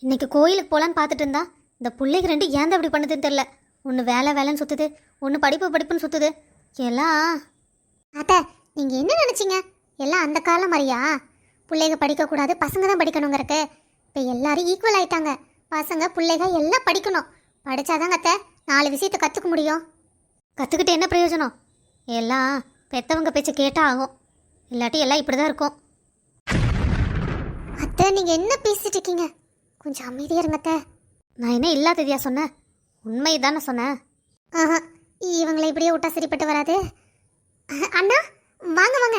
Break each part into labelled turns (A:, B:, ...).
A: இன்னைக்கு கோயிலுக்கு போகலான்னு பார்த்துட்டு இருந்தா இந்த பிள்ளைக்கு ரெண்டு ஏன் தான் இப்படி பண்ணுதுன்னு தெரில. ஒன்று வேலை வேலைன்னு சுற்றுது, ஒன்று படிப்பு படிப்புன்னு சுற்றுது எல்லாம்.
B: அத்தை, நீங்கள் என்ன நினச்சிங்க? எல்லாம் அந்த காலம் மாதிரியா? பிள்ளைங்க படிக்கக்கூடாது, பசங்க தான் படிக்கணுங்கிறக்கு. இப்போ எல்லாரும் ஈக்குவல் ஆயிட்டாங்க. பசங்க பிள்ளைங்க எல்லாம் படிக்கணும். படித்தாதாங்க அத்தை 4 விஷயத்தை கற்றுக்க முடியும்.
A: கற்றுக்கிட்டு என்ன பிரயோஜனம்? எல்லாம் பெற்றவங்க பேச்சை கேட்டால் ஆகும், இல்லாட்டி எல்லாம் இப்படி தான் இருக்கும்.
B: அத்தை, நீங்கள் என்ன பேசிட்டு இருக்கீங்க? கொஞ்சம் அமைதியாக இருங்க அத்தை.
A: நான் என்ன இல்லாததையா சொன்னேன்? உண்மை தானே சொன்னேன்.
B: ஆஹா, இவங்களை இப்படியே விட்டா சரிப்பட்டு வராது. அண்ணா, வாங்க வாங்க.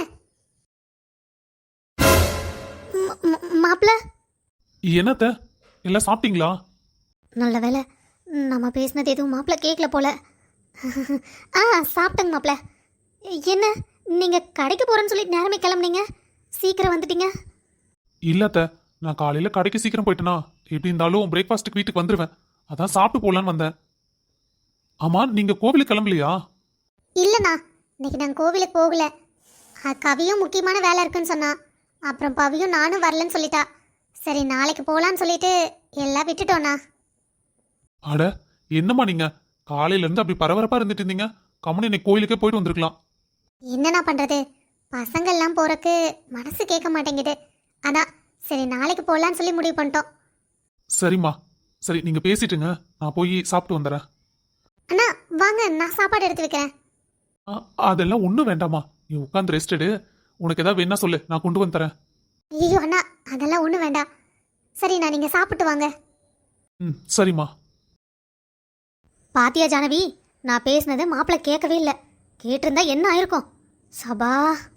A: மாப்பிள்ள,
C: என்னத்த எல்லாம் சாப்பிட்டீங்களா?
A: நல்ல வேலை நம்ம பேசினது எதுவும் மாப்பிள்ள கேட்கல போல. சாப்பிட்டேங்க மாப்பிள்ள. என்ன நீங்கள் கடைக்கு போகிறேன்னு சொல்லி நேரமே கிளம்புனீங்க, சீக்கிரம் வந்துட்டீங்க.
C: இல்லத்த, நான் காலையில கடைக்கு சீக்கிரம் போயிட்டேனா, எப்படி இருந்தாலும் பிரேக்ஃபாஸ்ட்டுக்கு வீட்டுக்கு வந்துடுவேன். அதான் சாப்பிட்டு போகலான்னு வந்தேன். ஆமா, நீங்க கோவிலுக்கு கிளம்பலையா?
B: இல்லைண்ணா, இன்னைக்கு நாங்கள் கோவிலுக்கு போகல. கவியும் முக்கியமான வேலை இருக்குன்னு சொன்னா. அப்புறம் பவியும் நானும் வரலன்னு சொல்லிட்டா. சரி, நாளைக்கு போகலான்னு சொல்லிட்டு எல்லாம் விட்டுட்டோண்ணா.
C: அட, என்னம்மா நீங்க காலையில இருந்து அப்படி பரபரப்பா இருந்துட்டு இருந்தீங்க. கம்முனு இன்னைக்கு கோயிலுக்கே போயிட்டு வந்திருக்கலாம்.
B: என்னண்ணா பண்ணுறது, பசங்கள்லாம் போகிறக்கு மனசு கேட்க மாட்டேங்குது. அதான் சரி நாளைக்கு போகலான்னு சொல்லி முடிவு பண்ணிட்டோம்.
C: சரிம்மா, சரி நீங்க பேசிட்டுங்க, நான் போய் சாப்பிட்டு வந்துடுறேன்.
B: அண்ணா வாங்க, நான் சாப்பாடு எடுத்து வைக்கிறேன்.
C: அதெல்லாம் ஒன்றும் வேண்டாமா, நீ உட்காந்து ரெஸ்ட் எடு. உனக்கு ஏதாவது வேணா சொல்லு, நான் கொண்டு வந்து தரேன்.
B: ஐயோ அண்ணா, அதெல்லாம் ஒன்றும் வேண்டாம். சரிண்ணா, நீங்கள் சாப்பிட்டு வாங்க.
C: ம், சரிம்மா.
A: பாத்தியா ஜானவி, நான் பேசினது மாப்பிள்ள கேட்கவே இல்லை. கேட்டிருந்தா என்ன ஆயிருக்கும்? சபா.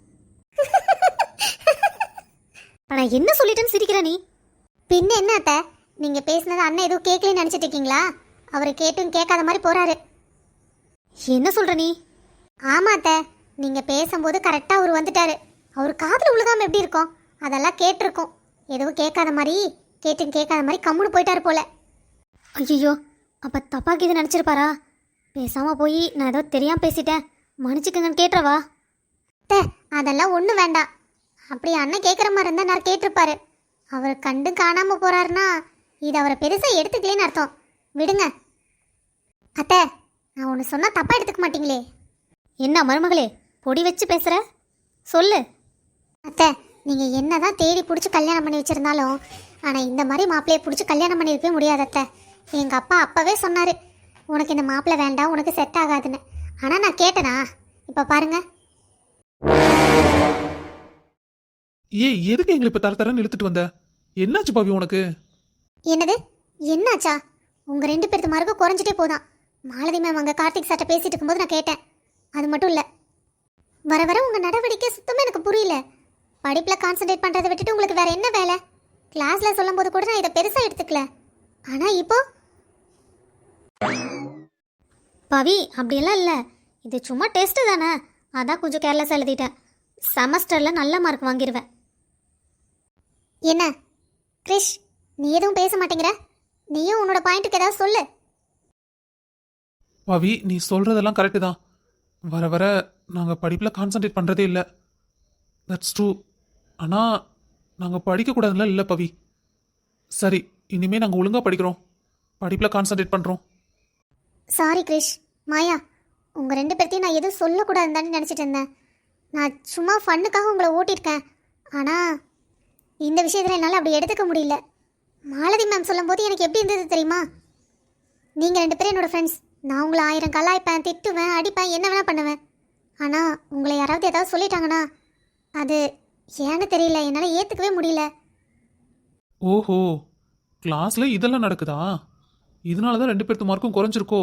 A: நான் என்ன சொல்லிட்டேன்னு சிரிக்கிற நீ?
B: பின்ன என்ன அத்தை, நீங்கள் பேசினது அண்ணன் எதுவும் கேட்கலன்னு நினச்சிட்டு இருக்கீங்களா? அவர் கேட்டும் கேட்காத மாதிரி போகிறாரு.
A: என்ன சொல்ற நீ?
B: ஆமா அத்தை, நீங்கள் பேசும்போது கரெக்டாக அவர் வந்துட்டாரு. அவர் காதில் உழுகாமல் எப்படி இருக்கும்? அதெல்லாம் கேட்டிருக்கோம். எதுவும் கேட்காத மாதிரி, கேட்டும் கேட்காத மாதிரி கம்முன்னு போயிட்டாரு போல.
A: ஐயோ, அப்போ தப்பாக்கி இது நினச்சிருப்பாரா? பேசாமல் போய் நான் ஏதோ தெரியாமல் பேசிட்டேன், மன்னிச்சுக்கங்கன்னு கேட்டுறவா?
B: அத்தை, அதெல்லாம் ஒன்றும் வேண்டாம். அப்படி அண்ணன் கேட்குற மாதிரி இருந்தால் நான் கேட்டிருப்பாரு. அவர் கண்டு காணாமல் போகிறாருன்னா இது அவரை பெருசாக எடுத்துக்கலேன்னு அர்த்தம். விடுங்க அத்தை, நான் ஒன்று சொன்னால் தப்பாக எடுத்துக்க மாட்டீங்களே?
A: என்ன மருமகளே, பொடி வச்சு பேசுகிற? சொல்லு.
B: அத்தை, நீங்கள் என்ன தான் தேடி பிடிச்சி கல்யாணம் பண்ணி வச்சுருந்தாலும், ஆனால் இந்த மாதிரி மாப்பிள்ளையை பிடிச்சி கல்யாணம் பண்ணியிருக்கவே முடியாது அத்தை. எங்கள் அப்பா அப்போவே சொன்னார், உனக்கு இந்த மாப்பிள்ளை வேண்டாம், உனக்கு செட் ஆகாதுன்னு. ஆனால் நான் கேட்டேனா? இப்போ பாருங்க.
C: ஏய், எதுக்கு எங்களை இப்ப தரன்னு இழுத்துட்டு வந்த? என்னாச்சு பாவி உனக்கு?
B: என்னது என்னாச்சா? உங்கள் 2 பேருக்கு மார்க்கு குறைஞ்சிட்டே போதான். மாலதி மேம் அங்கே கார்த்திக் சார்ட்ட பேசிட்டு இருக்கும்போது நான் கேட்டேன். அது மட்டும் இல்லை, வர வர உங்கள் நடவடிக்கை சுத்தமாக எனக்கு புரியல. படிப்பில் கான்சென்ட்ரேட் பண்ணுறதை விட்டுட்டு உங்களுக்கு வேற என்ன வேலை? கிளாஸில் சொல்லும் போது கூட நான் இதை பெருசாக எடுத்துக்கல. ஆனால் இப்போ
A: பவி, அப்படியெல்லாம் இல்லை. இது சும்மா டெஸ்ட்டு தானே, அதான் கொஞ்சம் கேர்லெஸ்ஸாக எழுதிட்டேன். செமஸ்டரில் நல்ல மார்க் வாங்கிடுவேன்.
B: என்ன கிரிஷ், நீ எதுவும் பேச மாட்டேங்கிற? நீயும் உன்னோட பாயிண்ட்டுக்கு ஏதாவது சொல்லு.
C: பாவி, நீ சொல்றதெல்லாம் கரெக்டு தான். வர வர நாங்கள் படிப்பில் கான்சன்ட்ரேட் பண்ணுறதே இல்லை. That's true. ஆனால் நாங்கள் படிக்கக்கூடாதுல இல்லை பவி. சரி, இனிமேல் நாங்கள் ஒழுங்காக படிக்கிறோம், படிப்பில் கான்சன்ட்ரேட் பண்ணுறோம்.
B: சாரி கிரிஷ், மாயா, உங்கள் 2 பேர்த்தையும் நான் எதுவும் சொல்லக்கூடாதுன்னு தானே நினச்சிட்டு இருந்தேன். நான் சும்மா ஃபன்னுக்காக உங்களை ஓட்டியிருக்கேன். ஆனால் இந்த விஷயத்தில் என்னால் அப்படி எடுத்துக்க முடியல. மாலதி மேம் சொல்லும்போது எனக்கு எப்படி இருந்தது தெரியுமா? நீங்கள் 2 பேரும் என்னோடய ஃப்ரெண்ட்ஸ். நான் உங்களை 1000 கலாய்ப்பேன், திட்டுவேன், அடிப்பேன், என்ன வேணால் பண்ணுவேன். ஆனால் உங்களை யாராவது ஏதாவது சொல்லிட்டாங்கன்னா அது ஏன்னு தெரியல, என்னால் ஏற்றுக்கவே முடியல.
C: ஓஹோ, கிளாஸில் இதெல்லாம் நடக்குதா? இதனால தான் 2 பேர்த்து மார்க்கும் குறைஞ்சிருக்கோ?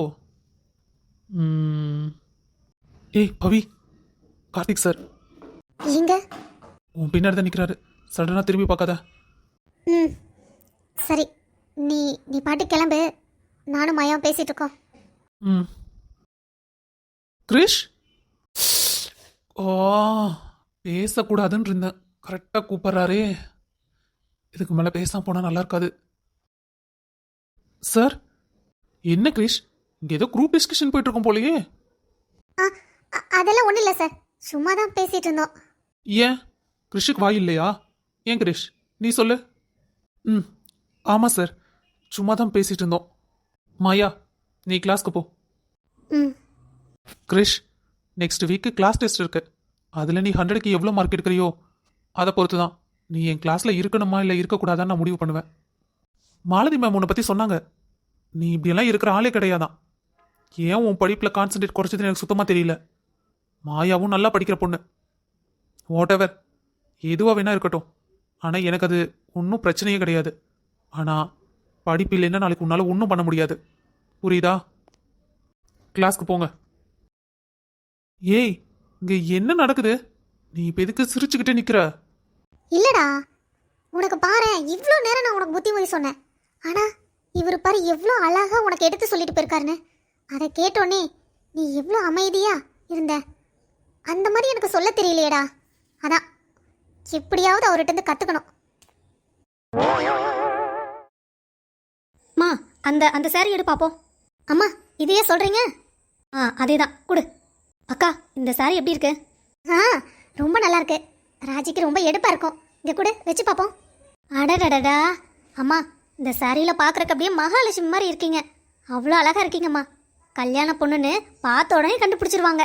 C: ஏய் பவி, கார்த்திக் சார்
B: எங்க?
C: உன் பின்னாடி தான் நிற்கிறாரு. சடனாக திரும்பி பார்க்காத.
B: ம், சரி, நீ நீ பாட்டு கிளம்பு. நானும் மாயாவும் பேசிகிட்டு இருக்கோம்.
C: ம். கிரிஷ், ஓ, பேசக்கூடாதுன்னு இருந்தேன், கரெக்டாக கூப்பிட்றாரே. இதுக்கு மேலே பேசாம போனால் நல்லா இருக்காது. சார், என்ன கிரிஷ், இங்கே ஏதோ குரூப் டிஸ்கஷன் போயிட்டு இருக்கோம் போலயே.
B: அதெல்லாம் ஒன்றும் இல்லை சார், சும்மா தான் பேசிகிட்டு இருந்தோம்.
C: ஏன் கிரிஷுக்கு வாய் இல்லையா? ஏன் கிரிஷ், நீ சொல்லு. ம், ஆமாம் சார், சும்மா தான் பேசிட்டு இருந்தோம். மாயா, நீ கிளாஸ்க்கு போ.
B: ம்.
C: Krish, next week class test இருக்கு. அதில் நீ 100க்கு எவ்வளோ மார்க் எடுக்கிறியோ அதை பொறுத்து தான் நீ என் கிளாஸில் இருக்கணுமா இல்லை இருக்கக்கூடாதான்னு நான் முடிவு பண்ணுவேன். மாலதி மேம் உன்னை பற்றி சொன்னாங்க. நீ இப்படியெல்லாம் இருக்கிற ஆளே கிடையாதான். ஏன் உன் படிப்பில் கான்சன்ட்ரேட் குறைச்சதுன்னு எனக்கு சுத்தமாக தெரியல. மாயாவும் நல்லா படிக்கிற பொண்ணு. வாட் எவர், எதுவாக வேணா இருக்கட்டும். ஆனால் எனக்கு அது ஒன்றும் பிரச்சனையே கிடையாது. ஆனால் படிப்பு இல்லைன்னா நாளைக்கு உன்னால் ஒன்றும் பண்ண முடியாது. புரியுதா? கிளாஸ்க்கு போங்க. ஏய், இங்கே என்ன நடக்குது? நீ இப்போ எதுக்கு சிரிச்சுக்கிட்டே நிற்கிற?
B: இல்லடா, உனக்கு பாரு, இவ்வளோ நேரம் நான் உனக்கு புத்திமதி சொன்னேன். ஆனால் இவர் பாரு எவ்வளோ அழகாக உனக்கு எடுத்து சொல்லிட்டு போயிருக்காருன்னு. அதை கேட்டோன்னே நீ எவ்வளோ அமைதியா இருந்த. அந்த மாதிரி எனக்கு சொல்ல தெரியலையேடா. அதான் எப்படியாவது அவர்கிட்ட இருந்து கற்றுக்கணும்.
A: மா, அந்த அந்த saree எடு பார்ப்போம்.
B: அம்மா, இதையே சொல்கிறீங்க?
A: அதே தான் கொடு. அக்கா, இந்த saree எப்படி இருக்கு?
B: ஆ, ரொம்ப நல்லா இருக்கு. ராஜிக்கு ரொம்ப எடுப்பாக இருக்கும். இங்கே கூட வச்சு பார்ப்போம்.
A: அடடடடா, அம்மா இந்த சாரியில் பார்க்குறக்கு அப்படியே மகாலட்சுமி மாதிரி இருக்கீங்க. அவ்வளோ அழகாக இருக்கீங்கம்மா. கல்யாண பொண்ணுன்னு பார்த்த உடனே கண்டுபிடிச்சிருவாங்க.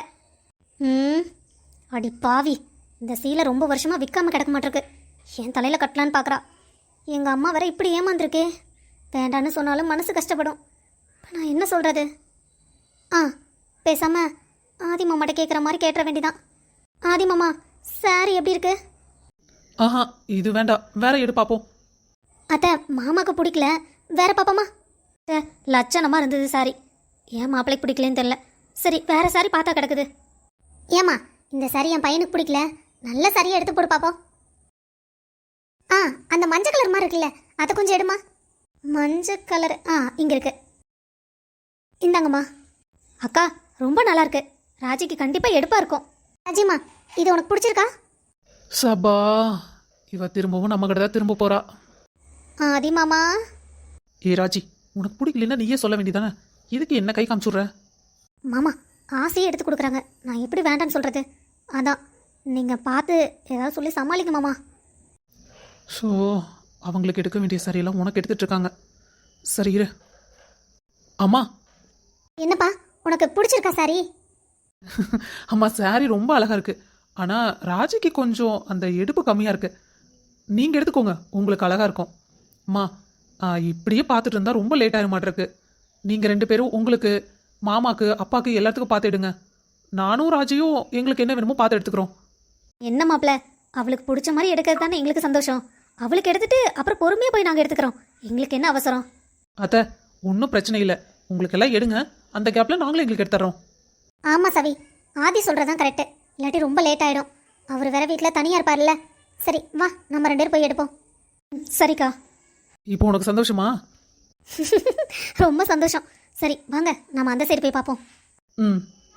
A: அடி பாவி, இந்த சீலை ரொம்ப வருஷமாக விற்காம கிடக்க மாட்டிருக்கு. என் தலையில் கட்டலான்னு பார்க்குறா. எங்கள் அம்மா வேற இப்படி ஏமாந்துருக்கே. வேண்டான்னு சொன்னாலும் மனசு கஷ்டப்படும். இப்போ நான் என்ன சொல்கிறது? பேசாமல் ஆதி மாமாட்ட கேட்குற மாதிரி கேட்டுற வேண்டிதான். ஆதி மாமா, சாரி எப்படி இருக்கு?
C: ஆஹா, இது வேண்டாம், வேற எடு பார்ப்போம்.
A: அத்தை, மாமாவுக்கு பிடிக்கல, வேற பாப்பாமா. லட்சணமாக இருந்தது சாரி. ஏன் மாப்பிள்ளைக்கு பிடிக்கலன்னு தெரியல. சரி, வேற சாரி பார்த்தா கிடக்குது.
B: ஏம்மா, இந்த சாரி என் பையனுக்கு பிடிக்கல. நல்ல சாரியை எடுத்து போட்டு பார்ப்போம். அந்த மஞ்சள் கலர் மாதிரி இருக்குல்ல, அதை கொஞ்சம் எடுமா.
A: மஞ்சள் கலர் இங்கே இருக்கு. இந்தாங்கம்மா. அக்கா, ரொம்ப நல்லா இருக்கு. ராஜிக்கு கண்டிப்பாக எடுப்பாக இருக்கும்.
B: ராஜிம்மா, இது உனக்கு பிடிச்சிருக்கா?
C: சபா, இவ திரும்பவும் நம்ம கிட்ட தான் திரும்ப போறா.
A: ஆதி மாமா.
C: ஏ ராஜி, உனக்கு பிடிக்கலன்னா நீயே சொல்ல வேண்டியதானே. இதுக்கு என்ன கை காமிச்சுடுற?
A: மாமா, ஆசையே எடுத்து கொடுக்குறாங்க. நான் எப்படி வேண்டான்னு சொல்கிறது? அதான் நீங்கள் பார்த்து ஏதாவது சொல்லி சமாளிக்க மாமா.
C: ஸோ அவங்களுக்கு எடுக்க வேண்டிய சாரியெல்லாம் உனக்கு எடுத்துட்டு இருக்காங்க. சரி இரு. அம்மா.
B: என்னப்பா, உனக்கு பிடிச்சிருக்கா சாரி?
C: அம்மா, சாரி ரொம்ப அழகா இருக்கு. ஆனால் ராஜிக்கு கொஞ்சம் அந்த எடுப்பு கம்மியாக இருக்கு. நீங்கள் எடுத்துக்கோங்க, உங்களுக்கு அழகா இருக்கும். அம்மா, இப்படியே பார்த்துட்டு இருந்தால் ரொம்ப லேட் ஆக மாட்டிருக்கு. நீங்கள் 2 பேரும் உங்களுக்கு, மாமாக்கு, அப்பாவுக்கு எல்லாத்துக்கும் பார்த்து எடுங்க. நானும் ராஜியும் எங்களுக்கு என்ன வேணுமோ பார்த்து எடுத்துக்கிறோம்.
A: என்ன மாப்பிள்ள, அவளுக்கு பிடிச்ச மாதிரி எடுக்கிறது தானே எங்களுக்கு சந்தோஷம். அவளுக்கு எடுத்துட்டு அப்புறம் பொறுமையாக போய் நாங்கள் எடுத்துக்கிறோம். எங்களுக்கு என்ன அவசரம்?
C: அத்தை, ஒன்றும் பிரச்சனை இல்லை. உங்களுக்கு எல்லாம் எடுங்க. அந்த கேப்பில் நாங்களும் எங்களுக்கு எடுத்துறோம்.
B: ஆமாம் சவி, ஆதி சொல்கிறதான் கரெக்டு. இல்லாட்டி ரொம்ப லேட் ஆகிடும். அவர் வேற வீட்டில் தனியாக இருப்பார்ல. சரி வா, நம்ம 2 பேரும் போய் எடுப்போம்.
A: சரிக்கா.
C: இப்போ உனக்கு சந்தோஷமா?
A: ரொம்ப சந்தோஷம். சரி வாங்க, நம்ம அந்த சைடு போய் பார்ப்போம்.
C: ம்.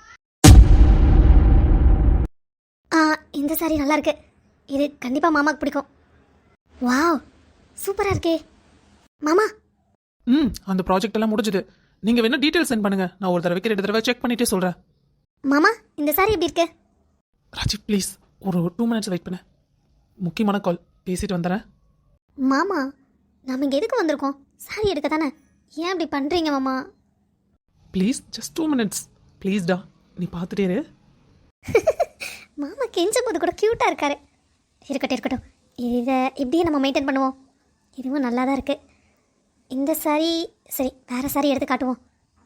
A: இந்த சாரி நல்லா இருக்கு. இது கண்டிப்பாக மாமாவுக்கு பிடிக்கும். வாவ், சூப்பராக இருக்கே மாமா.
C: அந்த ப்ராஜெக்ட் எல்லாம் முடிஞ்சுது. நீங்கள் வேணா டீட்டெயில் சென்ட் பண்ணுங்க. நான் ஒரு தடவைக்கு 2 தடவை செக் பண்ணிட்டே சொல்கிறேன்.
A: மாமா, இந்த சாரி எப்படி இருக்கு?
C: ராஜி ப்ளீஸ் ஒரு 2 மினிட்ஸ் வெயிட் பண்ண. முக்கியமான கால், பேசிட்டு வந்துடுறேன்.
A: மாமா, நம்ம இங்கே எதுக்கு வந்திருக்கோம்? சாரி எடுக்க தானே. ஏன் இப்படி பண்ணுறீங்க மாமா?
C: ப்ளீஸ் ஜஸ்ட் 2 மினிட்ஸ் ப்ளீஸ்டா. நீ பார்த்துட்டே இரு.
A: மாமா கெஞ்சும் போது கூட க்யூட்டாக இருக்காரு. இருக்கட்டும் இருக்கட்டும், இதை இப்படியே நம்ம மெயின்டைன் பண்ணுவோம். இதுவும் நல்லா தான் இருக்குது. இந்த சாரி சரி, வேறு சாரி எடுத்து காட்டுவோம்.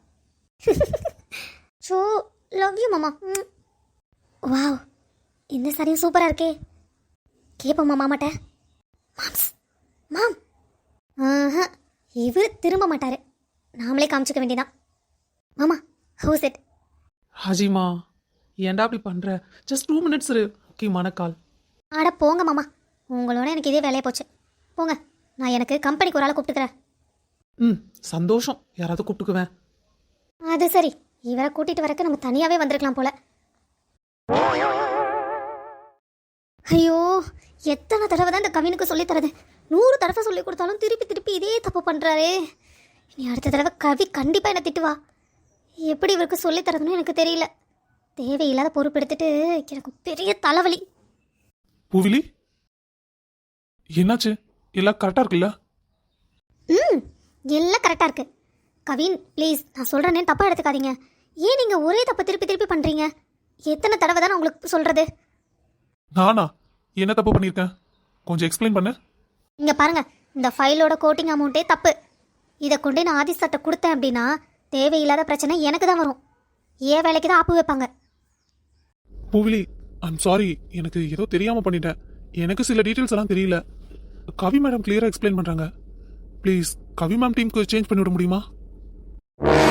A: ஸோ லவ் யூ மாமா. வாவ், இந்த சாரியும் சூப்பராக இருக்கே. கேட்போம்மா மாமாட்ட. மாம்ஸ் மாம். இவர் திரும்ப மாட்டார். நாமளே காமிச்சிக்க வேண்டியதான். மாமா, ஹவுஸ் இட்?
C: ராஜிமா, ஏன்டா அப்படி பண்ணுற? ஜஸ்ட் 2 மினிட்ஸ் இரு. முக்கியமான கால்.
A: ஆட போங்க மாமா, உங்களோட எனக்கு இதே வேலையை போச்சு. போங்க, நான் எனக்கு கம்பெனிக்கு ஒரு ஆளை கூப்பிட்டுக்கிறேன்.
C: சந்தோஷம், யாராவது கூப்பிட்டுக்குவேன்.
A: அது சரி, இவரை கூட்டிகிட்டு வரக்கு நம்ம தனியாகவே வந்திருக்கலாம் போல. ஐயோ, எத்தனை தடவை தான் இந்த கவினுக்கு சொல்லித்தரது? 100 தடவை சொல்லி கொடுத்தாலும் திருப்பி திருப்பி இதே தப்பு பண்ணுறாரே. இனி அடுத்த தடவை கவி கண்டிப்பாக என்னை திட்டுவா. எப்படி இவருக்கு சொல்லித்தரதுன்னு எனக்கு தெரியல. தேவையில்லாத பொறுப்பு எடுத்துட்டு எனக்கு பெரிய தலைவலி.
C: பூவிலி, என்னாச்சு? எல்லாம் கரெக்டாக இருக்குல்ல?
A: எல்லாம் கரெக்டாக இருக்கு. கவின் ப்ளீஸ், நான் சொல்கிறேனே தப்பாக எடுத்துக்காதீங்க. ஏன் நீங்கள் ஒரே தப்பை திருப்பி திருப்பி பண்ணுறீங்க? எத்தனை தடவை தான் உங்களுக்கு சொல்கிறது?
C: நானா என்ன தப்பு பண்ணியிருக்கேன்? கொஞ்சம் எக்ஸ்பிளைன் பண்ணு.
A: இங்கே பாருங்கள், இந்த ஃபைலோட கோட்டிங் அமௌண்ட்டே தப்பு. இதை கொண்டு நான் ஆதி சார்ட்ட கொடுத்தேன் அப்படின்னா தேவையில்லாத பிரச்சனை எனக்கு தான் வரும். ஏன் வேலைக்கு தான் ஆப்பு வைப்பாங்க.
C: பூவிலி, ஐம் சாரி, எனக்கு ஏதோ தெரியாமல் பண்ணிட்டேன். எனக்கு சில டீட்டெயில்ஸ் எல்லாம் தெரியல. கவி மேடம் கிளியராக எக்ஸ்பிளைன் பண்ணுறாங்க. ப்ளீஸ் கவி மேம் டீமுக்கு சேஞ்ச் பண்ணிவிட முடியுமா?